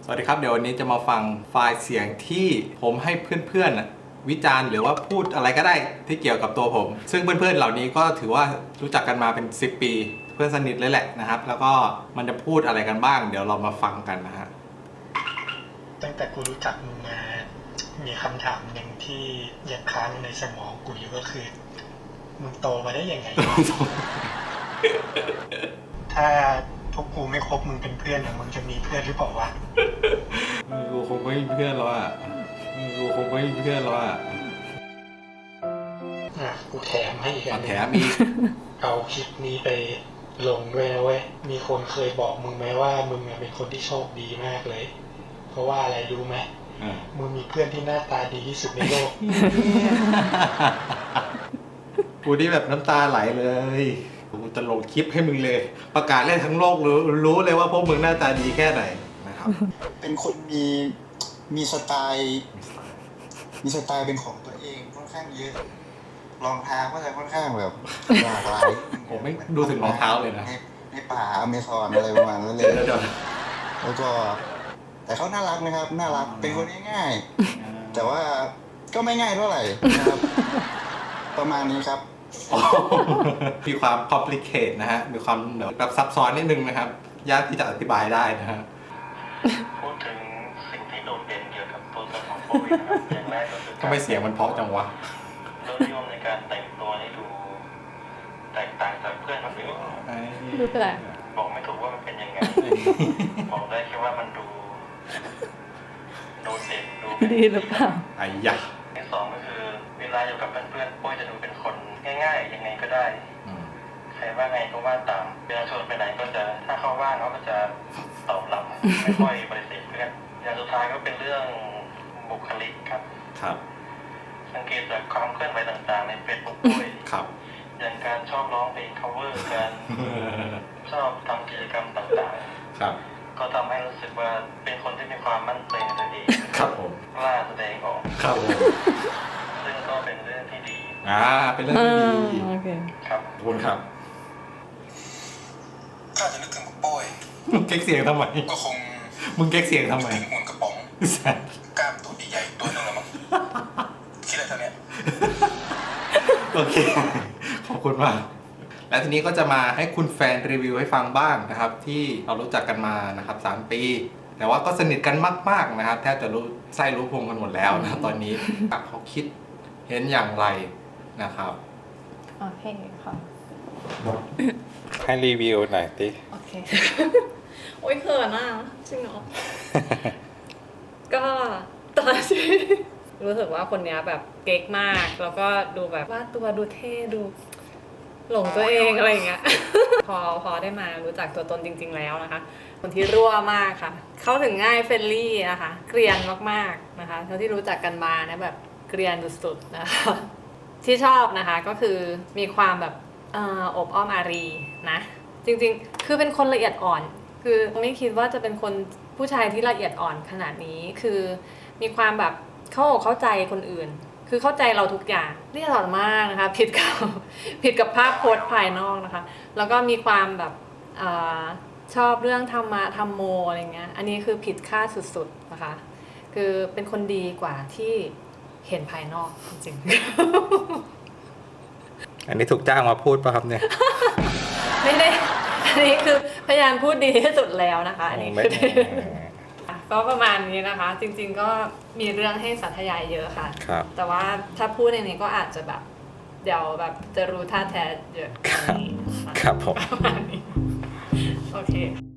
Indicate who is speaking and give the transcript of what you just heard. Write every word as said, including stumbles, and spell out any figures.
Speaker 1: สวัสดีครับเดี๋ยววันนี้จะมาฟังไฟล์เสียงที่ผมให้เพื่อนๆวิจารณ์หรือว่าพูดอะไรก็ได้ที่เกี่ยวกับตัวผมซึ่งเพื่อนๆเหล่านี้ก็ถือว่ารู้จักกันมาเป็นสิบปีเพื่อนสนิทเลยแหละนะครับแล้วก็มันจะพูดอะไรกันบ้างเดี๋ยวเรามาฟังกันนะฮะ
Speaker 2: ตั้งแต่กูรู้จักมึงมามีคำถามหนึ่งที่ยังค้างในสมองกูอยู่ก็คือมึงโตมาได้ยังไง ถ้าพวกกูไม่คบมึงเป็นเพื่อนมึงจะมีเพื่อนหรือเปล่าวะ
Speaker 1: กูคงไม่มีเพื่อนแล้วอ่ะกูคงไม่มีเพื่อนแล้วอ่ะ
Speaker 2: อ่ะกูแถมให้อีกอัน
Speaker 1: แถมอีก
Speaker 2: เอาคลิปนี้ไปลงด้วยนะเว้ยมีคนเคยบอกมึงไหมว่ามึงเป็นคนที่โชคดีมากเลยเพราะว่าอะไรรู้ไหมมึงมีเพื่อนที่หน้าตาดีที่สุดในโลก
Speaker 1: กูนี่แบบน้ำตาไหลเลยกูจะลงคลิปให้มึงเลยประกาศเล่นทั้งโลกรู้รู้เลยว่าพวกมึงหน้าตาดีแค่ไหนนะครับ
Speaker 3: เป็นคนมีมีสไตล์มีสไตล์เป็นของตัวเองค่อนข้างเยอะรองเท้าก็จะค่อนข้างแบบหลากหลาย
Speaker 1: ผมไม่ดูถึงรองเท้าเลยนะ
Speaker 3: ในในป่าอเมซอนอะไรประมาณนั้นเลยแล้วก็แต่เขาน่ารักนะครับน่ารักเป็นคนง่ายๆแต่ว่าก็ไม่ง่ายเท่าไหร่นะครับประมาณนี้ครับ
Speaker 1: มีความ complicate นะฮะมีความแบบซับซ้อนนิดนึงนะครับยากที่จะอธิบายได้นะฮะ
Speaker 4: พูดถึงสิ่งที่โดดเด่นเกี่ยวกับตัวตนของโควิดนะครับอย่างแรกก็คือ
Speaker 1: ทำไมเสียงมันเพราะจังวะ
Speaker 4: รสนิยมในการแต่งตัวให้ดูแตกต่างจากเพื่อนคนอื่น
Speaker 5: ดูแปลก
Speaker 4: บอกไม่ถูกว่ามันเป็นยังไงบอกได้แค่ว่ามันดูโดดเด่นดู
Speaker 5: ดีหรือเปล่า
Speaker 1: ไอ้ยะ
Speaker 4: ที่สองก็คือเวลาอยู่กับเพื่อนๆปุ้ยจะดูเป็นคนง่ายๆยังไงก็ได้ใครว่าไงก็ว่าตามเวลาชวนไปไหนก็จะถ้าเขาว่างเขาก็จะตอบรับไม่ค่อยปฏิเสธเพื่อนอย่างสุดท้ายก็เป็นเรื่องบุคลิกครับ
Speaker 1: ครับ
Speaker 4: สังเกตจากความเคลื่อนไหวต่างๆในเฟซบุ๊กด้วย
Speaker 1: ครับ
Speaker 4: อย่างการชอบร้องเพลง cover การชอบทำกิจกรรมต่าง
Speaker 1: ๆครับ
Speaker 4: ก็ทำให้รู้สึกว่าเป็นคนที่มีความมั่นใจในตัวเอง
Speaker 1: ครับผม
Speaker 4: กล้าแสดงออก
Speaker 1: ครับผม
Speaker 4: ซึ่งก็เป็นเรื่องที่ดี
Speaker 1: อ่าเป็นเรื่องที่ดี
Speaker 5: โอเค
Speaker 4: ครับ
Speaker 1: ขอบคุณครับ
Speaker 3: ข้าจะนึกถึงโป้ย
Speaker 1: มึงเก๊กเสียงทำไม
Speaker 3: ก็คง
Speaker 1: มึงเก๊กเสียงทำไม
Speaker 3: หุ่นกระป๋องกล้ามตัวใหญ่ๆตัวนึงละมั้งคิดอะไรเท่านี้
Speaker 1: โอเคขอบคุณมากและทีนี้ก็จะมาให้คุณแฟนรีวิวให้ฟังบ้างนะครับที่เรารู้จักกันมานะครับสามปีแต่ว่าก็สนิทกันมากๆนะครับแทบจะรู้ไส้รู้พุงกันหมดแล้วนะตอนนี้เขาคิดเห็นอย่างไรนะครับ
Speaker 5: โอเคค่ะ
Speaker 1: ให้รีวิวหน่อยสิ
Speaker 5: โอเคโอ้ยเขินอ่ะจริงเหรอก็ตอนที่รู้สึกว่าคนนี้แบบเก๊กมากแล้วก็ดูแบบว่าตัวดูเท่ดูหลงตัวเองอะไรอย่างเงี้ยพอพอได้มารู้จักตัวตนจริงๆแล้วนะคะคนที่รั่วมากค่ะเข้าถึงง่ายเฟรนลี่นะคะเกรียนมากๆนะคะเท่าที่รู้จักกันมานะแบบเกรียนสุดๆนะคะที่ชอบนะคะก็คือมีความแบบอบอ้อมอารีนะจริงๆคือเป็นคนละเอียดอ่อนคือไม่คิดว่าจะเป็นคนผู้ชายที่ละเอียดอ่อนขนาดนี้คือมีความแบบเข้าอกเข้าใจคนอื่นคือเข้าใจเราทุกอย่างละเอียดอ่อนมากนะคะผิดกับผิดกับภาพโพสภายนอกนะคะแล้วก็มีความแบบชอบเรื่องธรรมะธรรมโมอะไรเงี้ยอันนี้คือผิดคาดสุดๆนะคะคือเป็นคนดีกว่าที่เห็นภายนอกจริง
Speaker 1: อันนี้ถูกจ้างมาพูดป่ะครับเนี่ย
Speaker 5: ไม่ได้อันนี้คือพยายามพูดดีที่สุดแล้วนะคะอันนี้คือก็ประมาณนี้นะคะจริงๆก็มีเรื่องให้สาธยายเยอะค่ะแต่ว่าถ้าพูดในนี้ก็อาจจะแบบเดี๋ยวแบบจะรู้ท่าแท้เยอะ
Speaker 1: ครับผม
Speaker 5: ประมาณนี้โอเค